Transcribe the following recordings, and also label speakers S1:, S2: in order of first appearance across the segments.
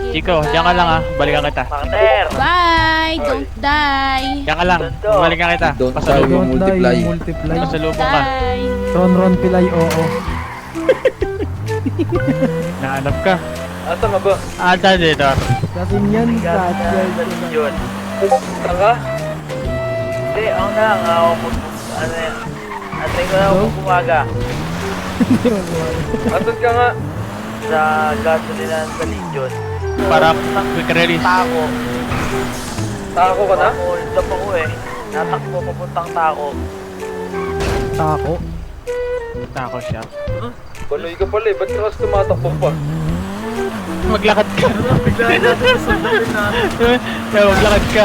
S1: Chico, diyan ka lang ah. Balikan kita.
S2: Partner!
S3: Bye! Don't die!
S1: Diyan ka lang. Balikan kita.
S4: Don't die,
S1: Pasalubong.
S4: multiply.
S5: Multiply.
S3: Don't
S1: Pasalubong ka.
S3: die!
S5: Ron Pilay, oo.
S1: Nahanap ka.
S2: Asa mo ba?
S1: Ata dito.
S5: Kasi yan,
S2: Yun. Taka? Hindi, ako na lang. Ako ano yan. Atay ko na ako bumaga. Asan ka nga? Sa gasolina sa Legion.
S1: Para quick release.
S2: Tako. Tako ka na? Hold up ako eh. Natakbo papuntang Tako.
S5: Tako.
S1: Tako siya.
S2: Baloy ka pala eh. Ba't ka kasi tumatakbo pa?
S1: Maglakad ka. Kaya maglakad ka.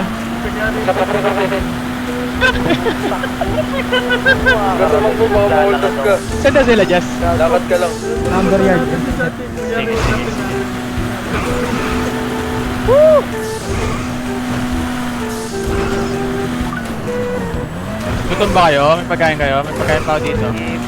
S2: Kasamang mo baka ma-hold up ka.
S1: Saan na sila, Jess?
S2: Lakad ka lang.
S5: Number yard.
S1: Sige, sige. Gutom ba kayo? May pagkain kayo? May pagkain pa ako dito.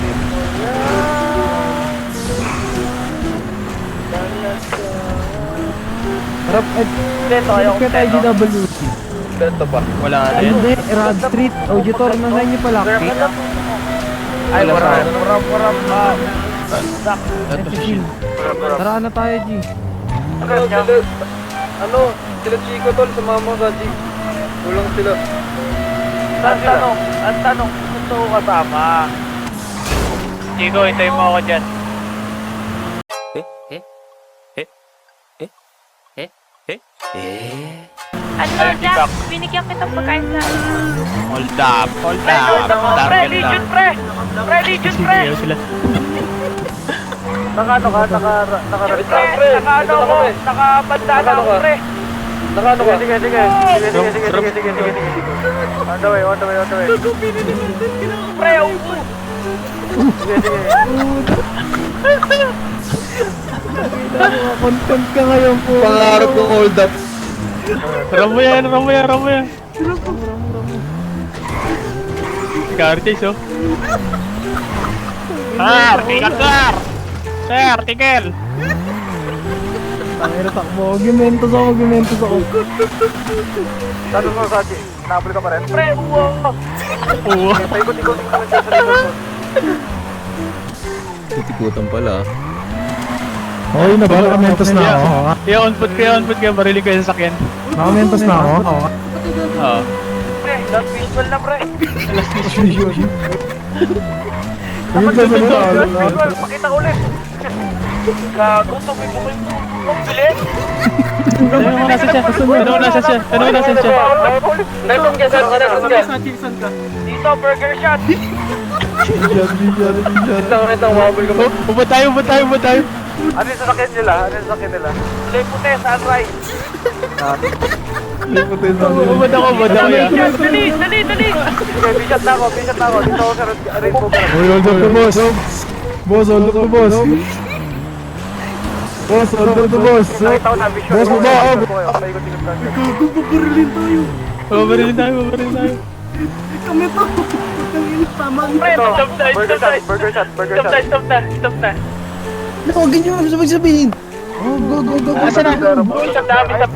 S5: Harap,
S2: Ito, ayaw ko
S5: kaya tayo GWC.
S2: Ito ba?
S1: Wala na yun.
S5: Hindi, Rad Street, Auditor, nasan niyo pala?
S2: Ay,
S1: Wala sa akin.
S2: waram.
S1: Ito si Shin.
S5: Tara na tayo, G.
S2: Sila Chico tol, sumama ka G. Kulang sila. Ang tanong, gusto ko kasama.
S1: Chico, hintayin mo ako dyan.
S3: Ano
S1: Ay,
S3: Jack? Binigyan kitang pagkain sa...
S1: Hold up, hold
S2: Pre,
S1: up.
S2: pre,
S1: Target
S2: Legion
S1: lang.
S2: pre! Pre, Legion pre!
S1: Sige, sila.
S2: Naka-ano ka? Naka-rabbit ka? Pre, naka-ano ko? Naka-bandana ako pre! Naka-ano ka? Sige. On the way. Pre, upo! Sige.
S5: Content ka ngayon po.
S4: Pangarap kong hold up.
S1: Ramo yan. Car chase, oh. Sir, tigil!
S5: Tangina, takbo. Argumentos ako.
S2: Tanong mo sa G, nabuli ka pa rin? Pre, uwo!
S1: Oo.
S2: Paikot-ikot ka lang siya sa likod.
S4: Titikutan pala.
S5: Okay na ba? Nakamentos na ako.
S1: On foot kayo. Marilig kayo sa sakyan.
S5: Nakamentos na ako.
S1: Oo.
S2: Pre, last visual na pre! Pakita ko ulit! Gago, tuloy mo yung bilis!
S1: Ano mo nasa siya?
S2: Nasaan ka? Dito, burger shot! Ito, wabol ka pa.
S1: Ubod tayo.
S2: Ano yung sasakyan nila? Kulay puti, sunrise!
S1: Ubod ako ya.
S2: Dali! Okay, bisyat na ako. Dito ako sa rainbow ka.
S5: Uy, hold up to boss. Boss, hold up to boss. Boss, hold up to boss.
S2: Nakita ko na visual.
S5: Boss, baba.
S2: Paikot-ikot ka.
S1: Babarilin tayo.
S2: Pre, stop na.
S4: Huwag ganyan mo sabihin. Oh, go.
S1: Asa na? Stop na.
S2: Stop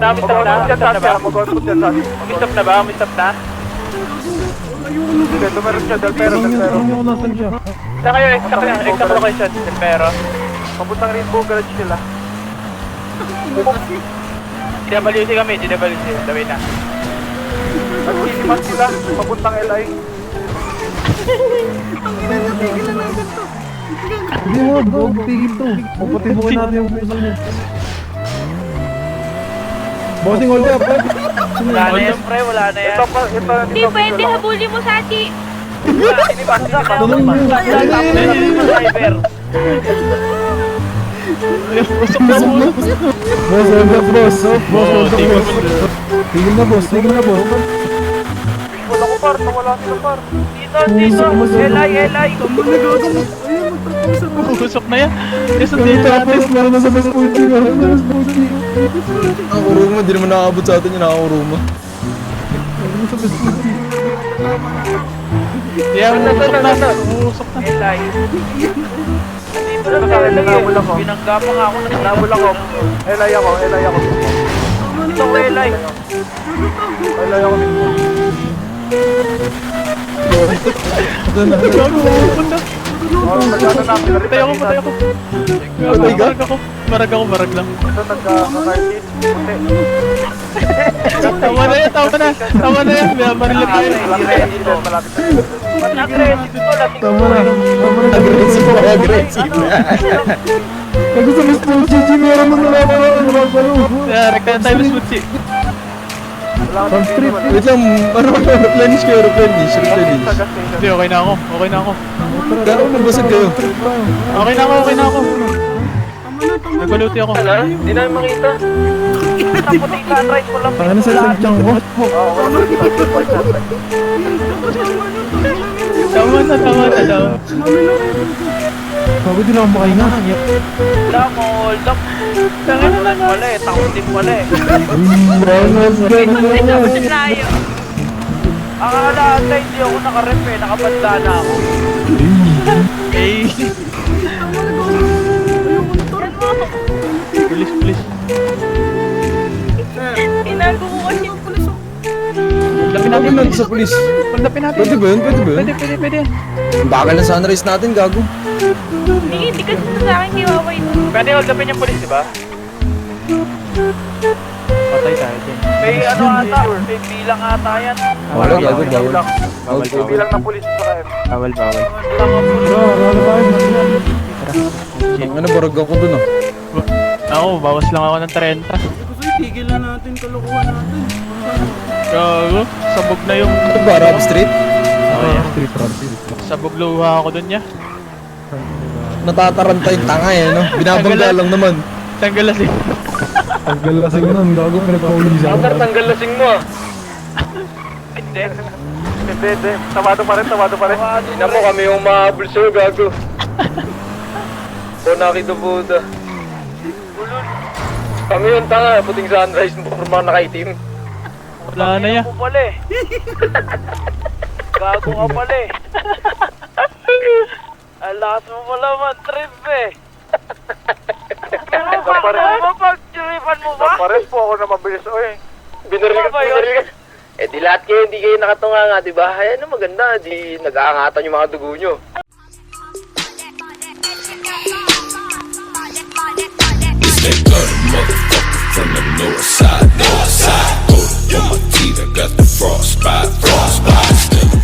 S2: na ba? Sige, tumeron siya, Del Pero.
S5: Nasan siya?
S2: Saan kayo? Exact location, Del Pero. Papuntang Rainbow Garage sila. GWC kami, Dawin na. Nag-sinimas sila, papuntang LI.
S5: Hindi mo, huwag tigil to. Puputibukin natin yung puso niya. Bossing, hold up.
S2: Wala na yan, pre, wala na yan.
S3: Hindi pwede, habulin mo sa ati!
S2: Sinipas driver.
S5: Boss, hold up, boss. Tigil na, boss.
S2: Wala ko par, nawala sila par. Dito, LI.
S1: Usok na yan.
S5: Meron na sa best puti.
S4: Ang uruma, di naman nakakabot sa atin yung nakakauruma.
S1: Usok na.
S2: LI. Dito na sa LI. Binangga pa nga ako, nabul ako. LI ako. Ito, Relay.
S1: Gago, pupunta. Patay ako, patay ako.
S4: Patay ka?
S1: Marag ako, marag lang. Tama na yan, tama na. Tama na yan, may marila tayo.
S5: Tama na.
S4: Aggressive na, aggressive na.
S5: Kaya sa Miss Paul Gigi, meron mo na
S1: Rek na tayo, Miss Mutsi.
S5: Pang street.
S4: Wait lang, replenish kayo, replenish.
S1: Hindi, okay na ako, okay na ako.
S4: Gano'n nabasag kayo?
S1: Okay na ako, okay na ako. Nagbaluti ako.
S2: Hindi namin makita. Puti sunrise ko lang.
S5: Tanga na sa sadyang ko.
S1: Tama na, tama na daw.
S5: Bago din ako makahinga.
S2: Wala mo, hold up.
S1: Tanga na lang.
S2: Wala eh, takot din pala eh.
S3: Layo.
S2: Akala ata hindi ako nakarep eh, nakabanda na ako.
S1: Eh. Police, police.
S3: Inago mo kasi.
S1: Lapin
S4: Sabi
S1: natin,
S4: natin sa polis.
S1: lapin natin.
S4: Pwede ba yun? Pwede ba yun?
S1: Pwede, pwede, pwede.
S4: Bakal na sunrise natin, gago.
S3: Hindi kasi sa akin kiwawa ito.
S2: Pwede hold upin yung polis, di ba?
S1: Patay tayo dyan.
S2: May ano ata, may bilang ata yan.
S4: Wala, gago, bawal.
S1: Bawal,
S2: May
S1: bawal.
S2: bilang ng polis sa kayo.
S1: Bawal, bawal.
S4: Ang ano, barag ako dun ah.
S1: Ako, bawas lang ako ng 30.
S6: Tigil na natin, kalokohan natin.
S1: Gago, sabog na yung...
S4: Ano ba, Arab Street?
S1: Oh, yeah.
S5: Street run.
S1: Sabog luha ako dun niya.
S4: Natataranta yung tanga eh, no? Binabangga lang naman.
S1: Tanggal na siya.
S5: Tanggal lasing nun. Gago pinagpaulisan.
S2: Tanggal lasing mo ah. Hindi. Hindi. Tamado pa rin, tamado pa rin. Ina mo kami yung mahabol sa'yo, gago. O nakita Buddha. Kami yung tanga, puting sunrise mo, mga nakaitim.
S1: Wala na yan.
S2: Gago pala eh. Gago ka pala eh. Alas mo pala man, trip eh. Pero bakit mo pag-tripan mo ba? Pares po ako na mabilis o eh. Binaril ka. Eh di lahat kayo, hindi kayo nakatunga nga, di ba? Ay ano maganda, di nag-aangatan yung mga dugo nyo.
S7: That gutter motherfucker from the north side, north side. Oh, my teeth, I got the frostbite, frostbite.